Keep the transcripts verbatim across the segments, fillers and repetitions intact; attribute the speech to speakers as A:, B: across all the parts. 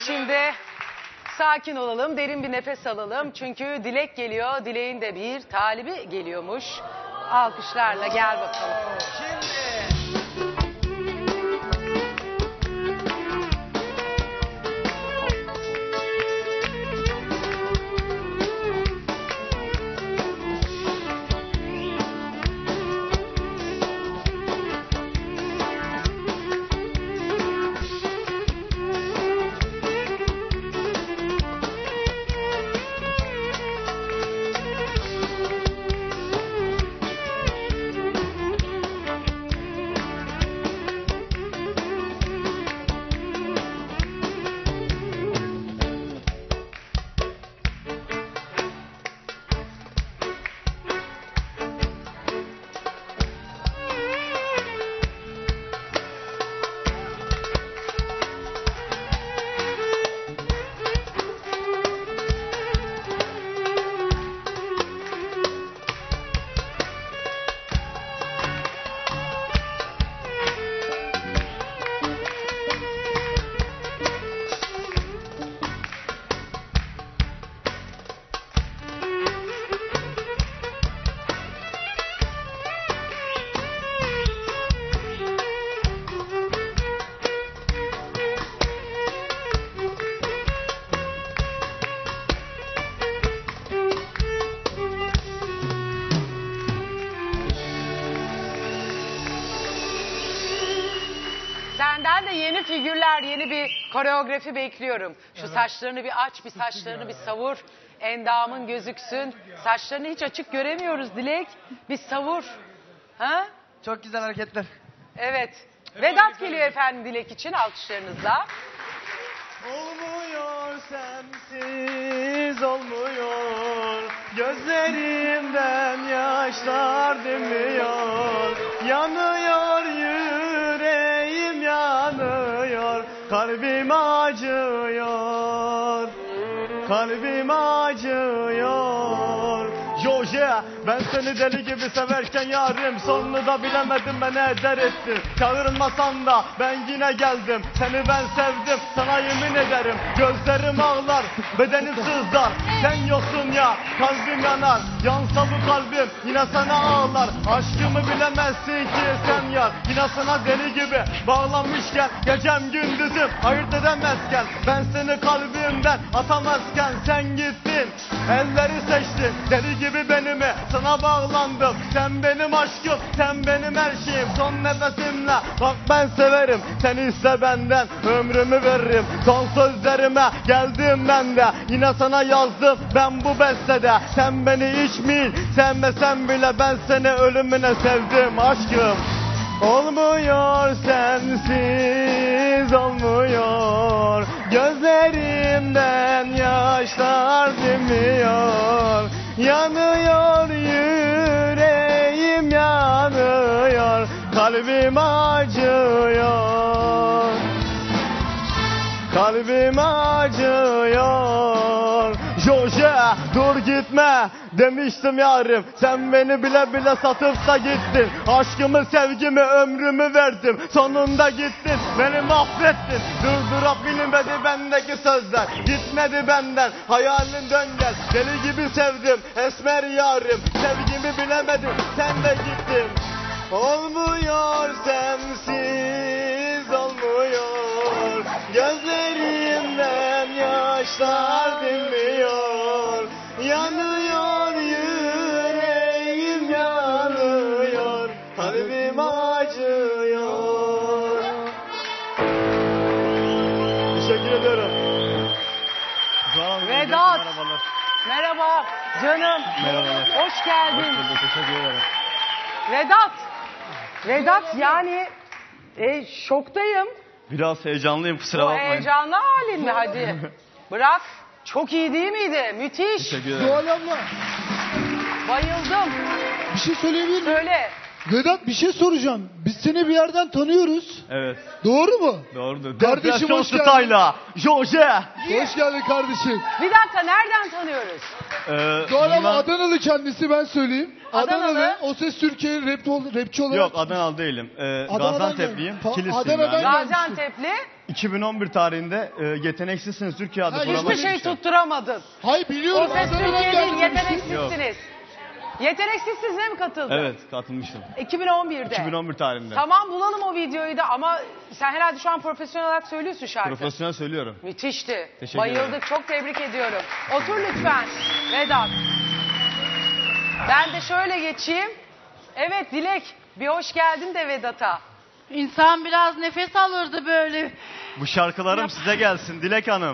A: Şimdi sakin olalım, derin bir nefes alalım. Çünkü Dilek geliyor, Dilek'in de bir talibi geliyormuş. Alkışlarla gel bakalım.
B: Şimdi.
A: Senden de yeni figürler, yeni bir koreografi bekliyorum. Şu evet. Saçlarını bir aç, bir saçlarını bir savur. Endamın gözüksün. Saçlarını hiç açık göremiyoruz Dilek. Bir savur. Ha?
B: Çok güzel hareketler.
A: Evet. Vedat geliyor efendim Dilek için, alkışlarınızla.
B: Olmuyor sensiz olmuyor, gözlerimden yaşlar dinmiyor, yanıyor yüreğim yanıyor, kalbim acıyor, kalbim acıyor. Joje, ben seni deli gibi severken yarim, sonunu da bilemedim ben ne eder ettin. Çağırmasan da ben yine geldim, seni ben sevdim, sana yemin ederim. Gözlerim ağlar, bedenim sızlar, sen yoksun ya kalbim yanar. Yansa bu kalbim yine sana ağlar, aşkımı bilemezsin ki sen yar. Yine sana deli gibi bağlanmışken, gecem gündüzüm ayırt edemezken, ben seni kalbimden atamazken sen gittin, elleri seçtin deli gibi benimi, sana bağlandım. Sen benim aşkım, sen benim her şeyim. Son nefesimle bak ben severim, seni iste benden ömrümü veririm. Son sözlerime geldim ben de, yine sana yazdım ben bu bestede. Sen beni hiç mi sevmesen bile ben seni ölümüne sevdim aşkım. Olmuyor sensiz olmuyor, gözlerimden yaşlar dinmiyor, yanıyor yüreğim yanıyor, kalbim acıyor, kalbim acıyor. Joje dur gitme demiştim yarim, sen beni bile bile satıp da gittin. Aşkımı sevgimi ömrümü verdim, sonunda gittin beni mahvettin. Durdurabilmedi bendeki sözler, gitmedi benden hayalin dön gel. Deli gibi sevdim esmer yarim, sevgimi bilemedim sen de gittin. Olmuyor sensiz olmuyor, gözlerimden yaşlar dinmiyor, yanıyor yüreğim yanıyor, kalbim acıyor. Teşekkür ediyorum.
A: Vedat. Merhaba canım.
B: Merhabalar.
A: Hoş geldin.
B: Hoş bulduk, teşekkür ederim.
A: Vedat. Vedat yani e, şoktayım.
B: Biraz heyecanlıyım, kusura
A: O
B: bakmayın.
A: heyecanlı halin mi hadi? Bırak. Çok iyi değil miydi? Müthiş.
B: Teşekkür ederim.
C: Doğal abla,
A: Bayıldım.
C: bir şey söyleyebilir miyim?
A: Söyle.
C: Vedat bir şey soracağım. Biz seni bir yerden tanıyoruz.
B: Evet,
C: Doğru mu?
B: doğrudur.
C: Kardeşim,
B: Depresyon
C: hoş geldin.
B: Style'a, Joje.
C: Hoş geldin kardeşim.
A: Bir dakika, nereden tanıyoruz?
B: Ee,
C: Doğal abla
B: bundan-
C: Adanalı kendisi, ben söyleyeyim.
A: Adanalı.
C: Adanalı. O Ses Türkiye rap, rapçi olarak.
B: Yok, Adanalı değilim. Ee,
C: Adana'dan
B: Gaziantep'liyim.
C: gel- Pa-
B: Kilisliyim
C: Adana'dan
B: yani.
C: gel-
A: Gaziantep'li.
B: iki bin on bir tarihinde e, Yeteneksizsiniz Türkiye adlı
C: Ha,
B: programa
A: Hiçbir şey
B: girmiştim.
A: tutturamadın.
C: Hayır
A: O
C: biliyorum.
A: ses
C: Adana'dan
A: Türkiye değil,
C: geldim demiştin.
A: yeteneksizsiniz. Yeteneksizsiniz mi katıldın?
B: Evet, katılmıştım.
A: iki bin on birde.
B: iki bin on bir tarihinde.
A: Tamam, bulalım o videoyu da ama sen herhalde şu an profesyonel olarak söylüyorsun şarkı.
B: Profesyonel söylüyorum.
A: Müthişti.
B: Teşekkür
A: Bayıldık.
B: ederim.
A: Çok tebrik ediyorum. Otur lütfen Vedat. Ben de şöyle geçeyim. Evet Dilek, bir hoş geldin de Vedat'a.
D: İnsan biraz nefes alırdı böyle.
B: Bu şarkılarım size gelsin Dilek Hanım.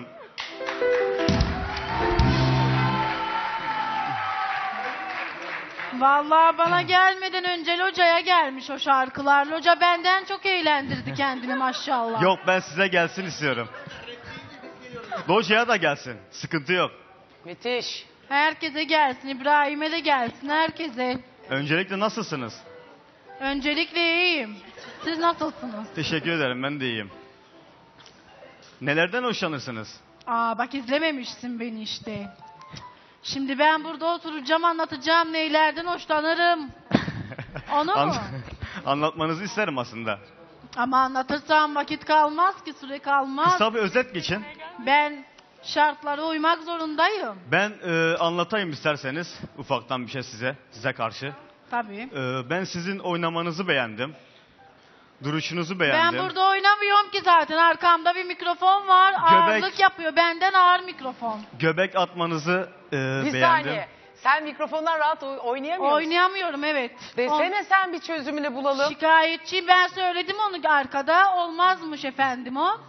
D: Vallahi bana gelmeden önce Loca'ya gelmiş o şarkılar. Loca benden çok eğlendirdi kendini maşallah.
B: Yok, ben size gelsin istiyorum. Loja'ya da gelsin. Sıkıntı yok.
A: Müthiş.
D: Herkese gelsin, İbrahim'e de gelsin, herkese.
B: Öncelikle nasılsınız?
D: Öncelikle iyiyim. Siz nasılsınız?
B: Teşekkür ederim, ben de iyiyim. Nelerden hoşlanırsınız?
D: Aa bak izlememişsin beni işte. Şimdi ben burada oturacağım, anlatacağım neylerden hoşlanırım. Onu mu?
B: An- Anlatmanızı isterim aslında.
D: Ama anlatırsam vakit kalmaz ki, süre kalmaz.
B: Kısa bir özet geçin.
D: Ben şartlara uymak zorundayım.
B: Ben e, anlatayım isterseniz ufaktan bir şey size, size karşı.
D: Tabii.
B: E, ben sizin oynamanızı beğendim. Duruşunuzu beğendim.
D: Ben burada oynamıyorum ki zaten. Arkamda bir mikrofon var.
B: Göbek-
D: Ağırlık yapıyor. Benden ağır mikrofon.
B: Göbek atmanızı e,
A: Bir
B: beğendim.
A: saniye. Sen mikrofondan rahat oy- oynayamıyor musun?
D: Oynayamıyorum evet.
A: Desene sen bir çözümünü
D: On-
A: bulalım.
D: Şikayetçiyim. Ben söyledim onu arkada. Olmazmış efendim o.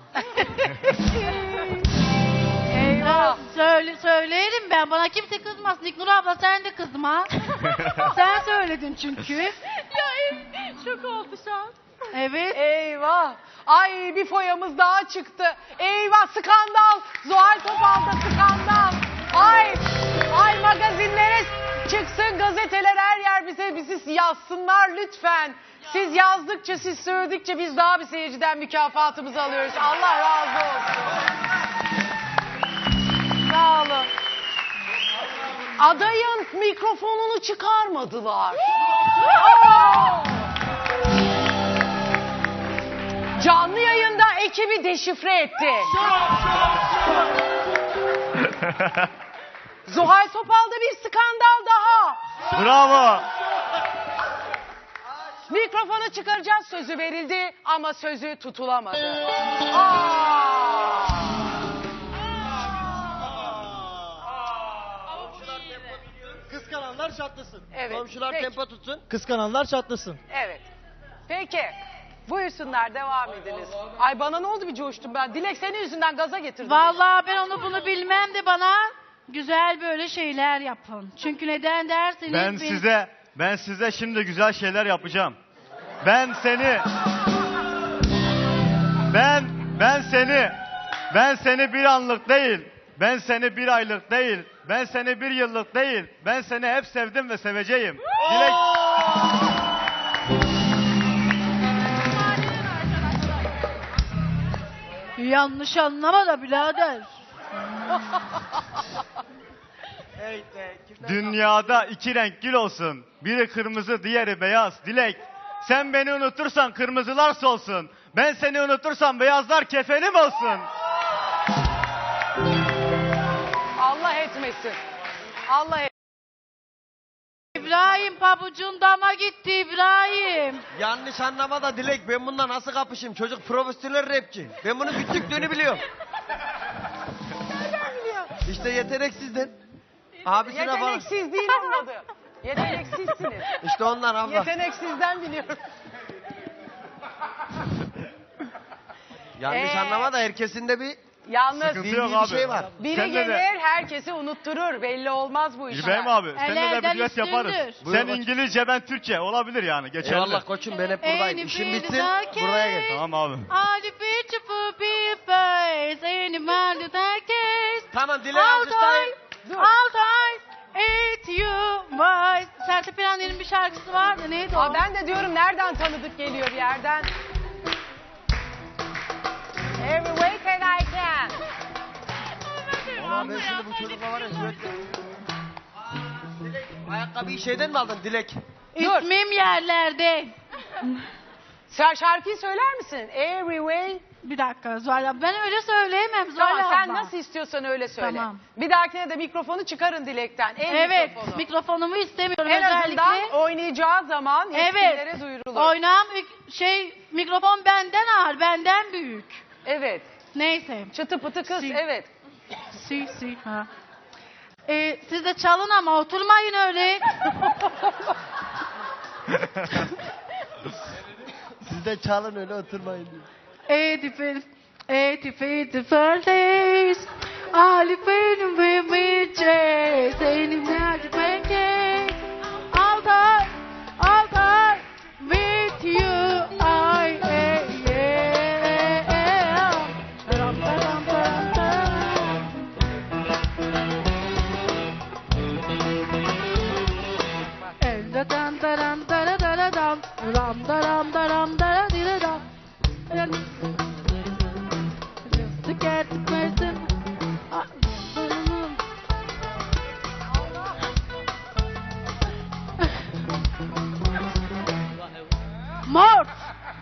A: Eyvah.
D: Söyle, söylerim ben. Bana kimse kızmasın. İknur abla sen de kızma. Sen söyledin çünkü. Ya şok oldu şu an. Evet.
A: Eyvah. Ay bir foyamız daha çıktı. Eyvah, skandal. Zuhal Topal'da skandal. Ay. Ay magazinlere çıksın, gazeteler her yer bize bizi yazsınlar lütfen. Siz yazdıkça, siz söyledikçe biz daha bir seyirciden mükafatımızı alıyoruz. Allah razı olsun. Sağ olun. Adayın mikrofonunu çıkarmadılar. Aa! Canlı yayında ekibi deşifre etti. Zuhal Topal'da bir skandal daha.
B: Bravo.
A: Mikrofonu çıkaracağız sözü verildi ama sözü tutulamadı. Aa!
E: Kıskananlar çatlasın.
A: Evet,
E: Komşular
A: peki.
E: tempo tutsun. Kıskananlar çatlasın.
A: Evet. Peki. Buyursunlar, devam ediniz. Ay bana ne oldu, bir coştum ben. Dilek senin yüzünden gaza getirdim. beni.
D: Vallahi ben onu bunu bilmem de bana güzel böyle şeyler yapın. Çünkü neden derseniz
B: Ben
D: biz-
B: size ben size şimdi güzel şeyler yapacağım. Ben seni Ben ben seni ben seni bir anlık değil. Ben seni bir aylık değil. Ben seni bir yıllık değil. Ben seni hep sevdim ve seveceğim. Dilek
D: Yanlış anlama da birader.
B: Dünyada iki renk gül olsun. Biri kırmızı, diğeri beyaz. Dilek, sen beni unutursan kırmızılar solsun. Ben seni unutursam beyazlar kefenim olsun.
A: Allah etmesin. Allah et.
D: İbrahim pabucun dama gitti İbrahim.
E: Yanlış anlama da Dilek, ben bununla nasıl kapışayım? Çocuk profesyonel rapçi. Ben bunun küçüklüğünü biliyorum.
A: Nereden biliyor?
E: İşte yeteneksizden. Abisine falan.
A: Yeteneksiz değil onun adı. Yeteneksizsiniz.
E: İşte ondan abla.
A: Yeteneksizden biliyorum.
E: Yanlış
A: Ee,
E: anlama da herkesin de bir
A: Yalnız
B: Sıkıntı
E: bildiği
B: yok
E: bir
B: abi.
E: şey var.
A: biri
B: Sen de
A: gelir
B: de-
A: herkesi unutturur. Belli olmaz bu işler.
B: İbrahim abi, seninle de
D: Ellerden
B: bir düet yaparız.
D: üstündür.
E: Buyur
B: Sen
E: koçum.
B: İngilizce, ben Türkçe. Olabilir yani, geçerli.
E: Eyvallah koçum, ben hep buradayım.
D: Any
E: İşim
D: feel
E: bitsin,
D: dark
E: buraya gel.
B: Tamam abi.
D: All the beautiful people is any man that I kiss.
E: Tamam Dilek,
D: All
E: alkışlayın.
D: time, all time, it's you, my. Sertab Erener'in bir şarkısı vardı, neydi o?
A: Aa, ben de diyorum nereden tanıdık geliyor bir yerden. Every way that I can.
E: Ulan ben şimdi bu çocukla var ya sürekli. Dilek, ayakkabıyı şeyden mi aldın Dilek?
A: Dur.
D: İsmim yerlerde.
A: Sen şarkıyı söyler misin? Every way
D: Bir dakika Zuhal abla. Ben öyle söyleyemem Zuhal
A: Tamam
D: abla.
A: sen nasıl istiyorsan öyle söyle.
D: Tamam.
A: Bir dahakine de mikrofonu çıkarın Dilek'ten. El
D: Evet,
A: mikrofonu.
D: mikrofonumu istemiyorum
A: En
D: özellikle.
A: azından oynayacağı zaman yetkililere
D: Evet,
A: duyurulur.
D: oynağım şey mikrofon benden ağır, benden büyük.
A: Evet.
D: Neyse.
A: Çıtı pıtı kız
D: Si.
A: evet.
D: Si, si, ha. Ee, siz de çalın ama oturmayın öyle.
E: Siz de çalın öyle oturmayın diyor.
D: eighty-five, eighty-fifth birthdays. Ali benim with me, Saying magic pancakes. All time, all time with you. I, yeah, yeah. Ram, ram, ram, ram. Elde dan daram dara dara dam. Ram daram daram dara dira dam. Just to get the person. Mort.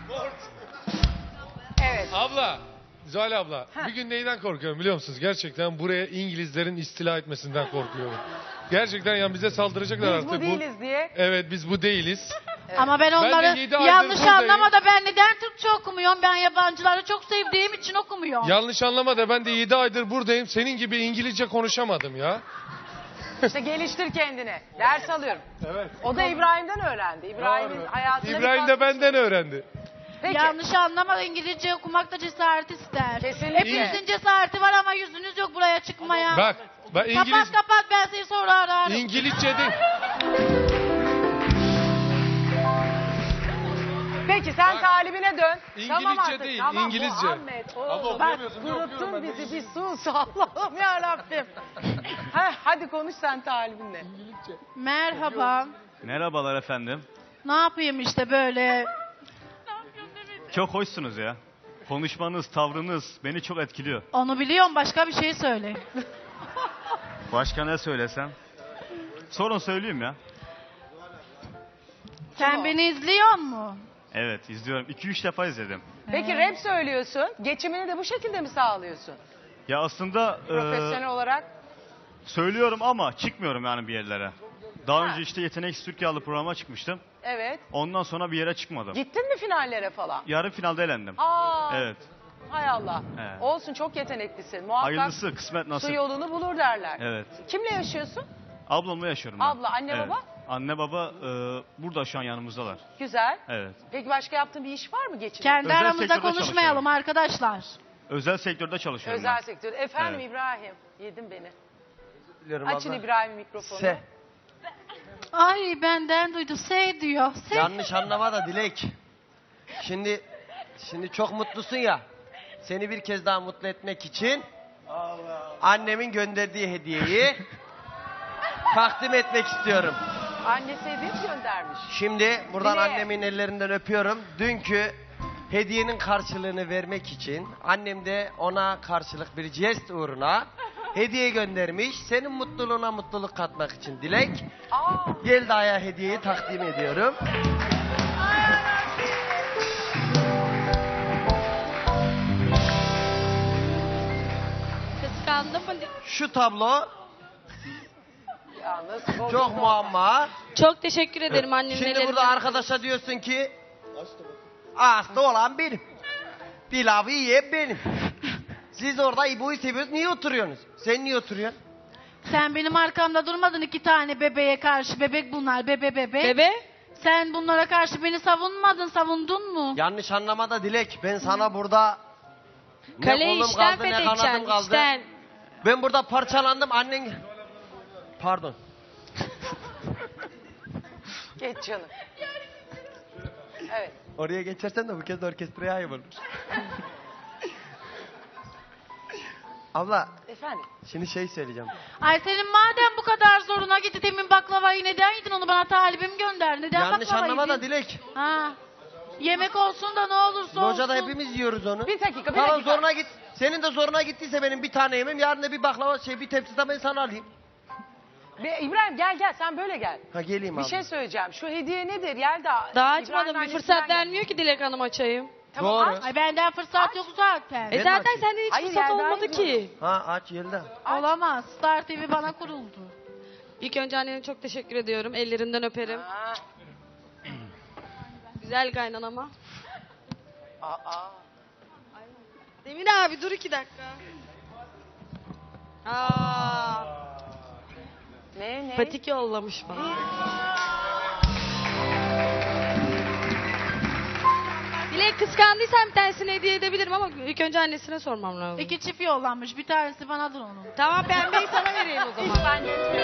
A: Evet.
F: Abla, Zuhal abla,
A: Heh.
F: bir gün neyden korkuyorum biliyor musunuz? Gerçekten buraya İngilizlerin istila etmesinden korkuyorum. Gerçekten yani bize saldıracaklar
A: Biz
F: artık.
A: bu değiliz diye.
F: Evet, biz bu değiliz.
D: Ama ben
F: de
D: onları
F: yedi aydır
D: yanlış
F: buradayım.
D: anlama da ben neden Türkçe okumuyorum? Ben yabancıları çok sevdiğim için okumuyorum.
F: Yanlış anlama da ben de yedi aydır buradayım. Senin gibi İngilizce konuşamadım ya.
A: İşte geliştir kendini. Ders alıyorum.
F: Evet.
A: O da İbrahim'den öğrendi. İbrahim'in hayatında bir
F: İbrahim de
A: katkısı-
F: benden öğrendi.
A: Peki.
D: Yanlış anlama, İngilizce okumak da cesaret ister.
A: Kesinlikle.
D: Hepinizin cesareti var ama yüzünüz yok buraya çıkmaya.
F: Bak, ben İngiliz
D: Kapat kapat, ben seni sonra ararım.
F: İngilizce değil.
A: Peki sen
F: Bak,
A: talibine dön.
F: İngilizce
A: tamam artık,
F: değil,
A: tamam,
F: İngilizce.
A: Muhammed, oo,
F: Abla
A: bak
F: okuyamıyorsun, ben
A: kuruttun
F: okuyorum, ben de
A: bizi bir sus Allah'ım yarabbim. ha, hadi konuş sen talibinle.
D: Merhaba.
G: Merhabalar efendim.
D: Ne yapayım işte böyle.
G: Çok hoşsunuz ya. Konuşmanız, tavrınız beni çok etkiliyor.
D: Onu biliyorum, başka bir şey söyle.
G: Başka ne söylesem? Sorun söyleyeyim ya.
D: Sen
A: o?
D: beni izliyor mu?
G: Evet, izliyorum. iki üç defa izledim.
A: Peki rap söylüyorsun. Geçimini de bu şekilde mi sağlıyorsun?
G: Ya aslında
A: Profesyonel
G: e,
A: olarak.
G: söylüyorum ama çıkmıyorum yani bir yerlere. Daha
A: Ha.
G: önce işte Yetenek Türkiye adlı programa çıkmıştım.
A: Evet.
G: Ondan sonra bir yere çıkmadım.
A: Gittin mi finallere falan?
G: Yarı finalde elendim.
A: Aa,
G: Evet.
A: hay Allah.
G: Evet.
A: Olsun, çok yeteneklisin. Muhakkak
G: Hayırlısı, kısmet
A: su
G: nasip.
A: yolunu bulur derler.
G: Evet.
A: Kimle yaşıyorsun?
G: Ablamla yaşıyorum ben.
A: Abla, anne,
G: Evet.
A: baba?
G: Anne baba e, burada şu an yanımızdalar.
A: Güzel.
G: Evet.
A: Peki başka yaptığın bir iş var mı geçim?
D: Kendi
G: Özel
D: aramızda
G: sektörde
D: konuşmayalım arkadaşlar.
G: Özel sektörde çalışıyorum
A: Özel
G: ben.
A: sektör. Efendim
G: Evet.
A: İbrahim. Yedin beni.
E: Biliyorum
A: Açın
E: abla.
A: İbrahim'in mikrofonu.
E: Se.
D: Ay benden duydu, şey diyor. Şey.
E: Yanlış anlama da Dilek. Şimdi şimdi çok mutlusun ya. Seni bir kez daha mutlu etmek için annemin gönderdiği hediyeyi takdim etmek istiyorum.
A: Annesi hediye mi göndermiş?
E: Şimdi buradan
A: Dileğe.
E: annemin ellerinden öpüyorum. Dünkü hediyenin karşılığını vermek için annem de ona karşılık bir jest uğruna hediye göndermiş. Senin mutluluğuna mutluluk katmak için Dilek.
A: Aa,
E: Gel Daya hediyeyi takdim ediyorum.
H: Kıskandım mı?
E: Şu tablo
A: ya nasıl bozuldu?
E: çok muamma.
H: Çok teşekkür ederim annemin
E: Şimdi
H: ellerinden.
E: burada arkadaşa diyorsun ki hasta olan benim. Pilavı yiyen benim. Siz orada İbo'yu seviyorsunuz. Niye oturuyorsunuz? Sen niye oturuyorsun?
D: Sen benim arkamda durmadın iki tane bebeğe karşı. Bebek bunlar, bebe bebe.
H: Bebe?
D: Sen bunlara karşı beni savunmadın, savundun mu?
E: Yanlış anlama da Dilek. Ben sana burada ne
H: Kaleyi
E: kolum
H: içten
E: kaldı ne
H: fethedeceksin,
E: kanadım kaldı.
H: içten.
E: Ben burada parçalandım annen... Pardon.
A: Geç canım. Evet.
E: Oraya geçersen de bu kez de orkestraya ayıp olur. Abla
A: Efendim.
E: şimdi şey söyleyeceğim.
D: Ay senin madem bu kadar zoruna gitti, demin baklavayı neden yedin, onu bana talibim gönder. Neden
E: Yanlış
D: baklava
E: anlama da
D: yedin?
E: Dilek.
D: Ha. Yemek olsun da ne olursa
E: Locada
D: olsun.
E: hepimiz yiyoruz onu.
A: Bir dakika, bir
E: Tamam
A: dakika.
E: zoruna git. Senin de zoruna gittiyse benim bir tane yemem. Yarın da bir baklava şey bir tepsi de ben sana alayım.
A: Be- İbrahim gel gel sen böyle gel.
E: Ha geleyim
A: Bir
E: abi.
A: şey söyleyeceğim. Şu hediye nedir? Yelda.
H: Daha
A: İbrahim'in
H: açmadım. Bir
A: annesinden
H: fırsat
A: gel.
H: vermiyor ki Dilek Hanım açayım.
A: Tamam,
E: Doğru.
A: aç.
D: Ay benden fırsat yok zaten.
E: Ben
H: E
E: de
H: zaten
E: açayım.
H: senden hiç
A: Hayır,
H: fırsat
A: Yelda'yı
H: olmadı ki.
E: Ha aç Yelda.
D: Olamaz. Star T V bana kuruldu.
H: İlk önce annene çok teşekkür ediyorum. Ellerinden öperim.
A: Ha.
H: Güzel kaynanama.
A: Aa.
H: Demin abi dur iki dakika. Aa,
A: Ne ne?
H: patik yollamış bana. Dilek kıskandıysan bir tanesini hediye edebilirim ama ilk önce annesine sormam lazım.
D: İki çift yollanmış. Bir tanesi banadır onun.
H: Tamam pembeyi sana vereyim o zaman.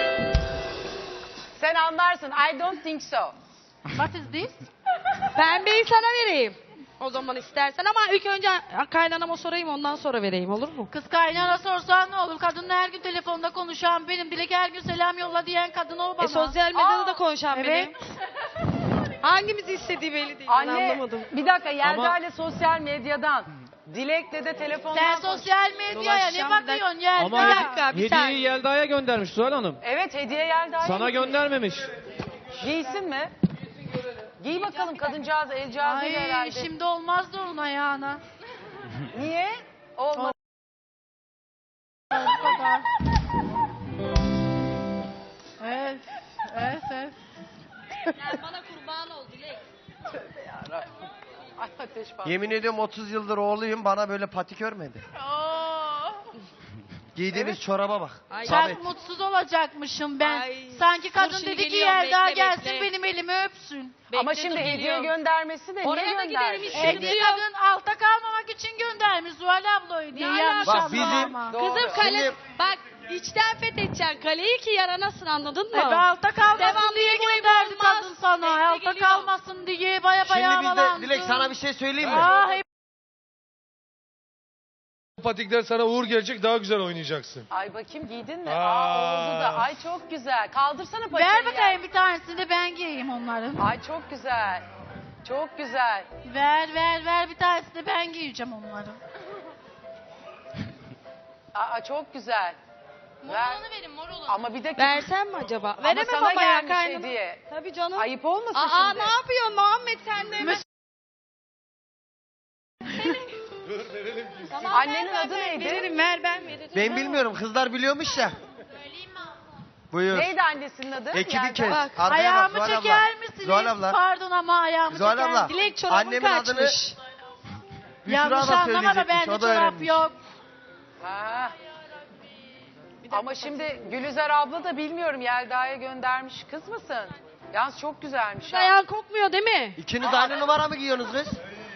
A: Sen anlarsın. I don't think so.
D: What is this?
H: Pembeyi sana vereyim. O zaman istersen ama ilk önce kaynanama sorayım ondan sonra vereyim olur mu?
D: Kız kaynana sorsan ne olur? Kadınla her gün telefonda konuşan benim. Dilek her gün selam yolla diyen kadın o bana.
H: E sosyal medyada
A: Aa,
H: da konuşan
D: evet.
H: benim. Hangimizi istediği belli değil. Ben
A: Anne
H: anlamadım.
A: bir dakika Yelda
B: Ama-
A: ile sosyal medyadan. Dilek'le de telefondan.
D: Sen
A: konuş-
D: sosyal medyaya ne
H: Dolaşacağım, bir
D: bakıyorsun Yelda?
B: Ama
H: Bir dakika, bir saniye.
B: hediyeyi Yelda'ya göndermiş Zuhal Hanım.
A: Evet hediye Yelda'ya.
B: Sana
A: gitmiş.
B: göndermemiş.
A: Giysin mi? Giy bakalım kadıncağız elcağızıyla
D: Ay
A: herhalde.
D: şimdi olmaz da onun ayağına.
A: Niye? Olmaz.
D: Bu kadar. Evet. Evet evet.
H: Bana kurban ol Dilek.
A: Ay ateş bak.
E: Yemin ediyorum otuz yıldır oğluyum bana böyle patik örmedi. Giydiğimiz çoraba bak.
H: Ay.
E: Samet.
D: Çok mutsuz olacakmışım ben.
H: Ay.
D: Sanki
H: Dur
D: kadın
H: şimdi
D: dedi ki
H: geliyorum,
D: Yelda
H: bekle,
D: gelsin
H: bekle.
D: benim elimi öpsün.
A: Ama
H: Bekle,
A: şimdi
H: dur,
A: hediye
H: geliyorum.
A: göndermesi de
H: Oraya
A: niye
H: da giderim
A: göndermiş?
H: işte.
D: E bir kadın altta kalmamak için göndermiş Zuhal abla o hediyeyi.
H: Ne
D: Yanlış
E: Bak,
D: anlama
E: bizim-
D: ama.
A: Doğru.
H: Kızım kale
E: Şimdi-
H: bak içten fethedeceksin kaleyi ki yaranasın anladın mı?
D: E be altta kalmasın
H: Devamlı
D: diye
H: boyu
D: gönderdi
H: olmaz.
D: kadın sana.
H: Bekle,
D: Altta
H: geliyor.
D: kalmasın diye baya baya
E: Şimdi biz de
D: havalandı.
E: Dilek sana bir şey söyleyeyim mi?
D: Ah, hep
F: Bu patikler sana uğur gelecek daha güzel oynayacaksın.
A: Ay bakayım giydin mi?
F: Aa.
A: Aa, oldu da. Ay çok güzel. Kaldırsana paçayı.
D: ver bakayım bir tanesini de ben giyeyim onların.
A: Ay çok güzel. Çok güzel.
D: Ver ver ver bir tanesini de ben giyeceğim onların.
A: Aa çok güzel. Ver.
H: verin mor olanı.
A: Ama bir dakika.
H: Versem mi acaba?
A: Ama
H: Veremem
A: sana
H: ama ya
A: gelmiş
H: kaynana.
A: hediye.
H: Tabii canım.
A: Ayıp olmasın
H: Aa
A: şimdi.
H: ne yapıyorsun Muhammed sen de hemen. Tamam,
A: Annenin
H: ver, ver,
A: adı
H: ver,
A: neydi?
H: Veririm ver ben veririm.
E: Ben bilmiyorum kızlar biliyormuş ya. Buyur.
A: Neydi annesinin adı?
E: Ekibi
A: Yelda.
E: kes.
H: Bak,
E: Arkaya bak
D: Ayağımı
E: Zuhal abla.
D: çeker misiniz?
E: Zuhal abla.
D: Pardon ama ayağımı
E: Zuhal
D: çeker
E: abla.
D: misiniz?
H: Dilek çorabın
E: Annemin adını
H: kaçmış.
E: Büşra
D: Yanlış
E: da
D: anlama da
E: söyleyecekmiş,
D: bende
E: o da
D: çorap
E: öğrenmiş.
D: yok.
A: Ha. Ama şimdi Gülüzer abla da bilmiyorum Yelda'ya göndermiş. Kız mısın? Yalnız çok güzelmiş ha.
H: Ayağın kokmuyor değil mi?
E: İkiniz aynı numara mı giyiyorsunuz kız?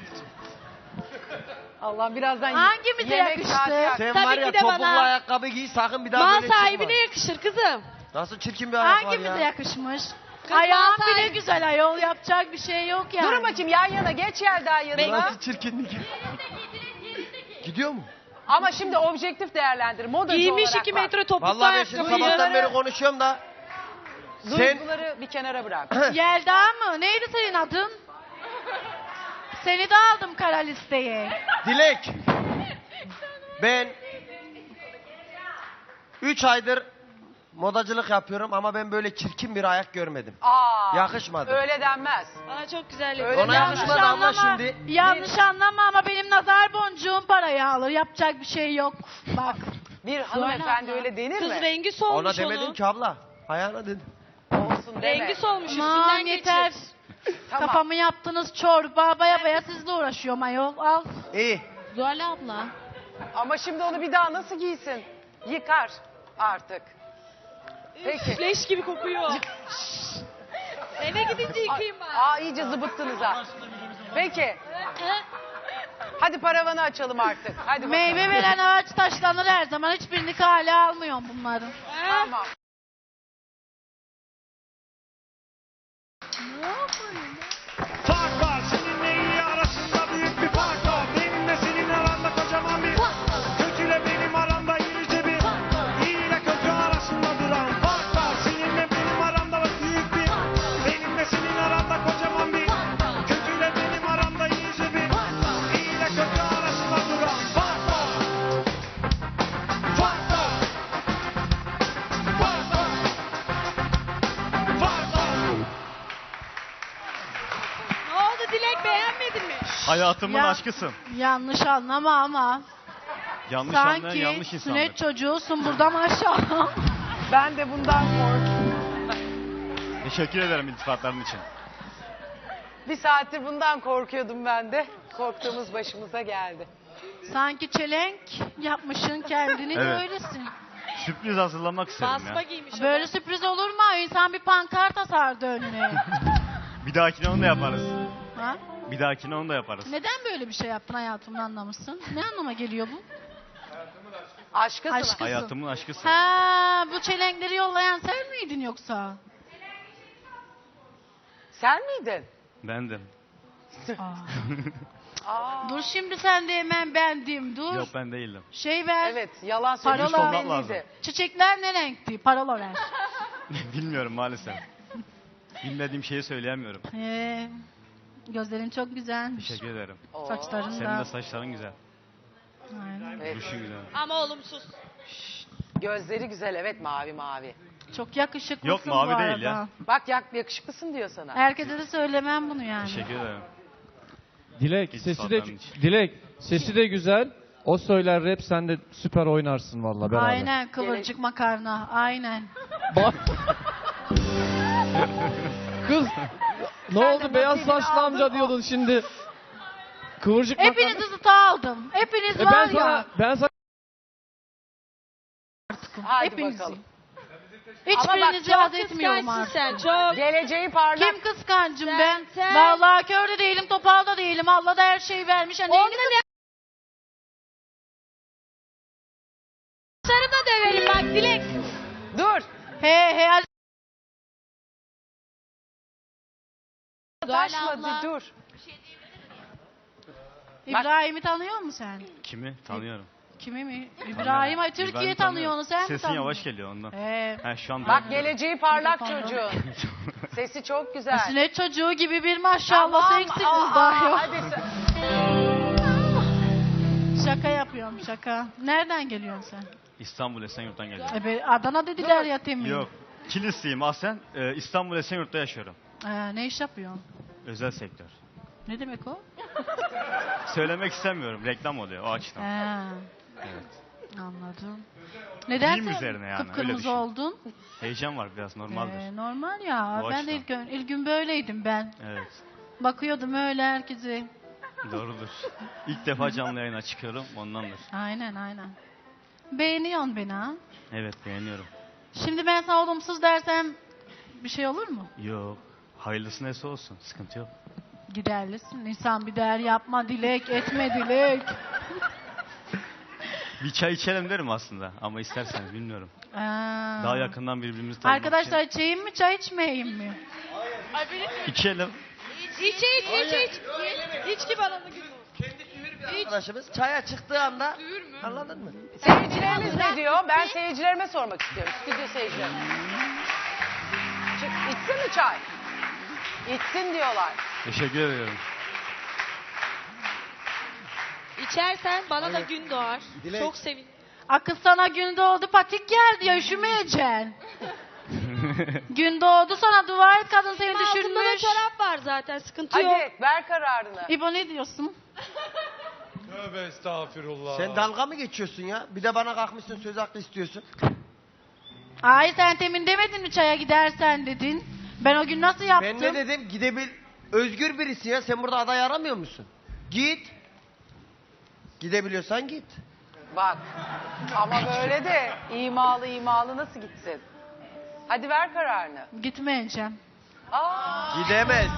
A: Allah birazdan
D: Hangimize
A: yemek
D: yakıştı?
A: saati yak-
E: Sen
H: Tabii
E: var
H: ki
E: ya
H: de
E: topuklu
H: bana.
E: ayakkabı giy sakın bir daha
H: Mal
E: böyle çıkma.
H: sahibine yakışır kızım.
E: Nasıl çirkin bir ayak var
D: Hangimize
E: ya.
D: yakışmış?
H: Kız
D: Ayağım
H: bana
D: bile
H: sahibi-
D: güzel ayol yapacak bir şey yok yani.
A: Durun bakayım yan yana geç Yelda yanına.
E: Nasıl çirkinlik. Gidiyor mu?
A: Ama şimdi objektif değerlendir. Modacı
H: Giymiş
A: olarak
H: iki
A: bak.
H: metre topuklu
E: Vallahi ben şimdi
H: ayakkabıyı.
E: sabahtan beri konuşuyorum da. Sen
A: Duyguları bir kenara bırak.
D: Yelda mı? Neydi senin adın? Seni de aldım kara listeye.
E: Dilek. Ben üç aydır modacılık yapıyorum ama ben böyle çirkin bir ayak görmedim.
A: Aa,
E: Yakışmadı.
A: Öyle denmez.
H: Bana çok güzel
A: Öyle
E: Ona
A: yanlış
E: yakışmadı ama şimdi.
D: Yanlış anlama ama benim nazar boncuğum parayı alır. Yapacak bir şey yok. Bak.
A: Bir hanımefendi
D: abla.
A: öyle denir
H: Kız
A: mi?
H: rengi solmuş
E: Ona demedim
H: onun.
E: ki abla. Ayağına dedim.
A: Olsun deme.
H: Rengi solmuş
D: Aman
H: üstünden
D: yeter.
H: geçir.
A: Tamam.
D: Kafamı yaptınız çorba. Baya baya sizle uğraşıyorum ayol. Al.
E: İyi.
D: Zuhal abla.
A: Ama şimdi onu bir daha nasıl giysin? Yıkar artık. Peki.
H: Leş gibi kokuyor. Eve gidince yıkayayım ben.
A: Aa iyice zıbıttınız ha. Peki. Hadi paravanı açalım artık. Hadi bakalım.
D: Meyve veren ağaç taşlanır her zaman. Hiçbirini kale almıyorum bunların.
A: Tamam.
I: Fark var seninle iyi arasında büyük bir fark var. Benimle senin aranda kocaman bir kötüyle benim aramda irice bir iyi ile kötü arasında duran fark var. Seninle benim aramda bak büyük bir benimle senin aranda kocaman bir kötüyle benim aramda irice bir iyi ile kötü arasında duran fark var. Fark var. Fark var. Fark var.
G: Hayatımın
D: Ya-
G: aşkısın.
D: Yanlış anlama ama.
G: Yanlış anlayan
D: Sanki
G: yanlış insandır.
D: sünnet çocuğusun buradan aşağı.
A: Ben de bundan korkuyorum.
G: Teşekkür ederim iltifatların için.
A: Bir saattir bundan korkuyordum ben de. Korktuğumuz başımıza geldi.
D: Sanki çelenk yapmışsın kendini de
G: Evet.
D: öylesin.
G: Sürpriz hazırlamak istedim
H: Basma
G: ya.
H: giymiş.
D: Böyle sürpriz olur mu? İnsan bir pankart asardı önüne.
G: Bir dahakine onu da yaparız.
D: Ha?
G: Bir dahakine onu da yaparız.
D: Neden böyle bir şey yaptın hayatımda anlamışsın? Ne anlama geliyor bu?
A: Aşkısın.
D: Aşkı.
G: Hayatımın aşkısın.
D: Ha, bu çelenkleri yollayan sen miydin yoksa?
A: Sen miydin?
G: Bendim.
A: Aa,
D: Dur şimdi sen de hemen bendim dur.
G: Yok ben değildim.
D: Şey ver.
A: evet, yalan
D: Parola.
A: söylüyorsun
G: Olmak
A: belliydi.
G: lazım.
D: Çiçekler ne renkti? Parola ver.
G: Bilmiyorum maalesef. Bilmediğim şeyi söyleyemiyorum.
D: Ee, gözlerin çok güzelmiş.
G: Teşekkür ederim.
A: Oo.
D: Saçların
G: Senin
D: da.
G: de saçların güzel.
D: Aynen.
A: Evet.
G: Duruşun güzel.
H: Ama olumsuz.
A: Gözleri güzel, evet, mavi mavi.
D: Çok yakışıklısın
G: Yok, mavi
D: bu
G: değil
D: arada.
G: ya.
A: Bak yak, yakışıklısın diyor sana.
D: Herkese de söylemem bunu yani.
G: Teşekkür ederim.
B: Dilek
G: Hiç
B: sesi de
G: sağdan hiç.
B: Dilek sesi de güzel. O söyler rap, sen de süper oynarsın valla beraber.
D: Aynen kıvırcık makarna. Aynen.
B: Bak. Kız ne
A: Sen
B: oldu
A: de
B: beyaz
A: nasibini
B: saçlı
A: aldın,
B: amca
A: o-
B: diyordun şimdi. Kıvırcık
D: Hepinizi
B: makarna-
D: zıta aldım. Hepiniz
B: E
D: var
B: ben sana
D: ya.
B: ben sana
A: Hadi
D: Hepinizi.
A: bakalım.
D: Hiçbirinizi
H: Çok
D: yad etmiyorum
H: kıskançsın
D: artık.
H: sen çok.
A: Geleceği parlak.
D: Kim kıskancım
H: Sen-
D: ben?
H: sen-
D: Vallahi kör de değilim, topal da değilim. Allah da her şeyi vermiş. Hani
H: Onunla ne? Sarı da döverim bak Dilek.
A: Dur.
D: He he hadi.
A: Taşma,
H: abla.
A: dur.
D: İbrahim'i tanıyor musun sen?
G: Kimi? Tanıyorum.
D: Kimi mi? İbrahim. Ay Türkiye
G: İbrahim'i
D: tanıyor onu, sen mi
G: Sesin
D: tanıyorsun?
G: yavaş geliyor ondan.
D: He.
G: Ha, şu an
A: Bak
G: ben-
A: geleceği parlak
D: Mikrofonu.
A: çocuğun. Sesi çok güzel.
D: Sünnet çocuğu gibi bir maşallah
A: Tamam,
D: seksi
A: aa,
D: kız daha yok.
A: Hadi sen.
D: Şaka yapıyorum şaka. Nereden geliyorsun sen?
G: İstanbul Esenyurt'tan geliyorum.
D: E be, Adana dediler ya temin.
G: Yok. Kilisliyim aslen. Ee, İstanbul Esenyurt'ta yaşıyorum.
D: Ee, ne iş yapıyorsun?
G: Özel sektör.
D: Ne demek o?
G: Söylemek istemiyorum. Reklam oluyor o açıdan.
D: He,
G: Evet.
D: anladım. Neden
G: Giyim
D: sen
G: üzerine yani, öyle
D: kıpkırmızı
G: düşün.
D: oldun?
G: Heyecan var biraz normaldir.
D: Ee, normal ya.
G: O
D: ben de
G: açıdan.
D: ilk, gün- ilk gün böyleydim ben.
G: Evet.
D: Bakıyordum öyle herkese.
G: Doğrudur. İlk defa canlı yayına çıkıyorum ondandır.
D: Aynen aynen. Beğeniyorsun beni ha.
G: Evet beğeniyorum.
D: Şimdi ben sana olumsuz dersem bir şey olur mu?
G: Yok. Hayırlısı neyse olsun. Sıkıntı yok.
D: Giderlisin. İnsan bir değer yapma dilek, etme dilek.
G: Bir çay içelim derim aslında ama isterseniz bilmiyorum.
D: Aa.
G: Daha yakından birbirimizi tanımak
D: Arkadaşlar içeyim mi çay içmeyeyim mi?
G: için. İçelim.
H: İç iç iç iç. İç ki bana da gülüm.
E: Arkadaşımız çaya çıktığı anda anladın mı?
A: Seyircilerimiz ne diyor? Ben seyircilerime sormak istiyorum. Stüdyo seyircilerime. Çık, içsin mi çay? İçsin diyorlar.
G: Teşekkür ediyorum.
H: İçersen bana da gün doğar.
E: Dilek.
H: Çok sevinirim.
D: Akıl sana gün doğdu patik geldi ya üşümeyeceksin. Gün doğdu sana dua et kadın seni
H: Altında da
D: düşürmüş.
H: çorap var zaten sıkıntı yok.
A: Hadi ver kararını.
D: İbo ne diyorsun?
F: Tövbe estağfurullah.
E: Sen dalga mı geçiyorsun ya? Bir de bana kalkmışsın söz hakkı istiyorsun.
D: Ay sen temin demedin mi çaya gidersen dedin. Ben o gün nasıl yaptım?
E: Ben ne dedim? Gidebil... Özgür birisi ya. Sen burada aday aramıyor musun? Git. Gidebiliyorsan git.
A: Bak. Ama böyle de imalı imalı nasıl gitsin? Hadi ver kararını.
D: Gitmeyeceğim.
A: Aa,
E: Gidemez.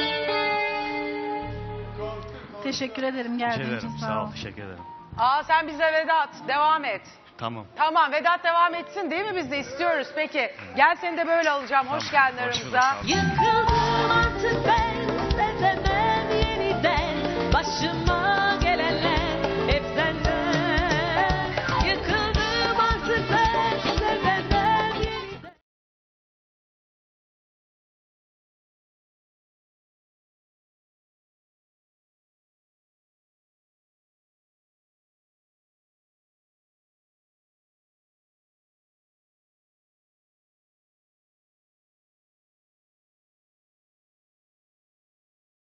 D: Teşekkür ederim
G: Teşekkür
D: geldiğin
G: ederim.
D: için
G: Sağ
D: sağ
G: ol.
D: ol.
G: Teşekkür ederim.
A: aa sen bize Vedat. Devam et.
G: Tamam.
A: Tamam Vedat devam etsin değil mi? Biz de istiyoruz. Peki. Gel seni de böyle alacağım. Hoş
G: Tamam.
A: geldin
G: Hoş bulduk,
A: aramıza.
G: sağ ol.
J: Yıkıldım artık ben, sevemem yeniden. Başıma